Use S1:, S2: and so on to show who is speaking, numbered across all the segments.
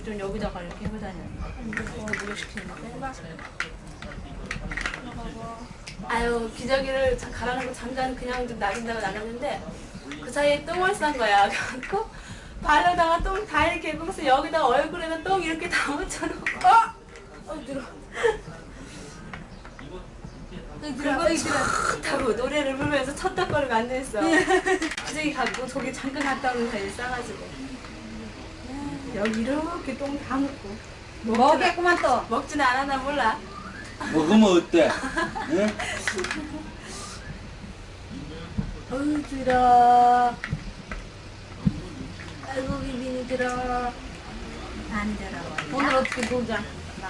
S1: 좀 여기다가 이렇게 해고 다녔는데 목욕시키는데 아유 기저귀를 갈아놓고 잠깐 그냥 좀 나간다고 나갔는데 그 사이에 똥을 싼 거야. 그래갖고 발로다가 똥 다 이렇게 해서 여기다가 얼굴에다 똥 이렇게 다 묻혀놓고 들어 그리고 노래를 부르면서 쳤다거리고 앉아있어. 기저귀 갖고 저기 잠깐 갔다 오는 사이에 싸가지고 여기 이렇게 똥 다 묻고
S2: 먹겠구만 또.
S1: 먹지는 않았나 몰라.
S3: 먹으면 어때? 응?
S1: 어우 들어. 아이고 비빈이 들어. 안 들어.
S2: 오늘 어떻게 놀자.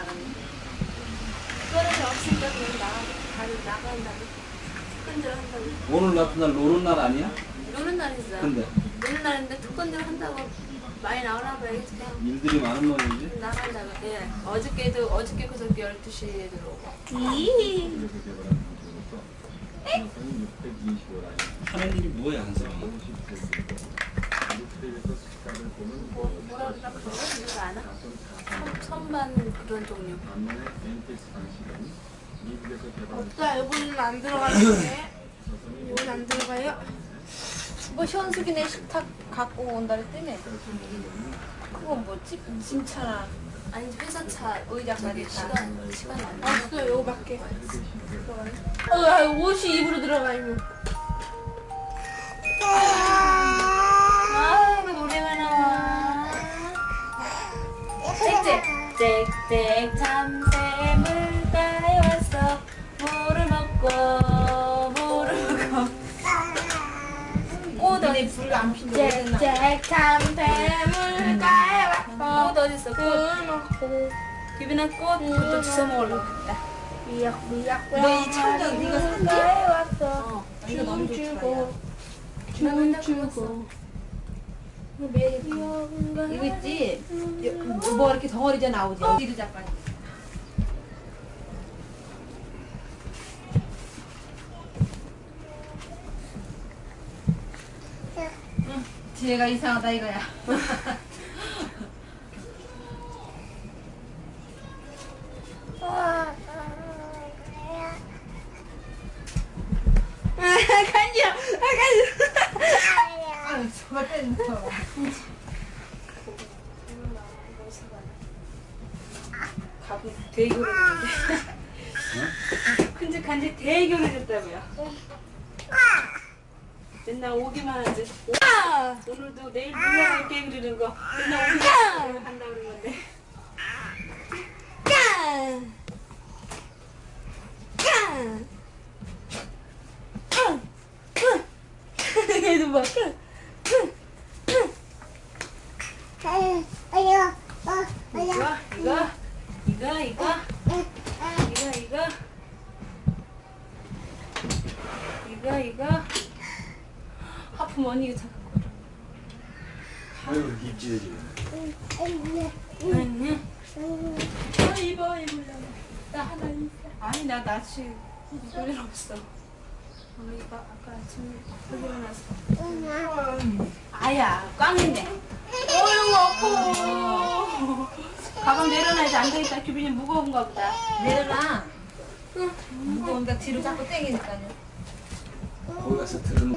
S1: 그거는 없으니까 그냥 나간다고. 특근들 한다고.
S3: 오늘 같은 날 노는 날 아니야?
S1: 노는 날이죠.
S3: 근데
S1: 노는 날인데 특근들 한다고 많이 나오나 봐야지. 그냥
S3: 일들이 많은 모양이지?
S1: 나간다고. 예. 어저께 그저께 12시에 들어오고.
S3: 하는 일이 뭐야 한성이?
S1: 뭐라 그러나 그런 거 누가 아나? 선반 그런 종류.
S2: 없다. 이거는 안 들어가는데. 이건 안 들어가요. 뭐 현숙이네 식탁 갖고 온다 그랬더니 그건 뭐지? 진차나.
S1: 아니 회사차 의자까지 시간 안 나.
S2: 없어. 요거밖에. 옷이 입으로 들어가면.
S1: 아이고 노래가 나와. 짹짹 참새물가에 왔어. 물을 먹고 꽃 어디 불 안 핀다.
S2: 짹짹 참새물가에 왔어.
S1: 꽃 어딨어? 꽃
S2: 먹고
S1: 유빈아 꽃도 주워 먹으려고 했다.
S2: 미약미약.
S1: 너 이 참전 네가 샀지?
S2: 왔어.
S1: 이거 너무
S2: 춤추고 춤추고. 이거 있지? 뭐 이렇게 덩어리져 나오지? 어디를 잡아? 뒤에가 이상하다 이거야. 간지러. 아, 저거 때는 거.
S1: 가부 대교를 큼직한지 대교를 줬다고요. 맨날 오기만 하지. 오늘도 내일 물론 올게 그러는 거. 맨날 오기만 한다 그런 건데. 얘도 봐. 이거 하품 언니 이거 잠깐 걸어.
S3: 아유 입질지.
S1: 아니 입어 나 하나 입어. 아니 나 낯이 입을 일 없어. 이거 아까 아침에 일어나서 아야 꽝인데. 어이구 아파. 가방 내려놔야지. 앉아있다. 규빈이 무거운가 보다.
S2: 내려놔. 무거운데 뒤로 자꾸 땡기니까요.
S3: 거기 가서 들은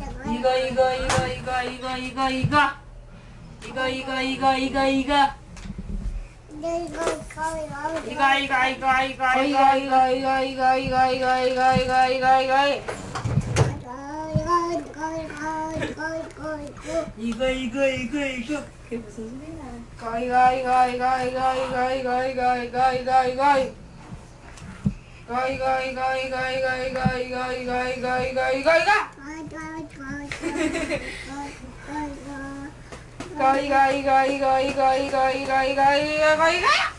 S1: 이거 그게 무슨 소리야?
S2: 이거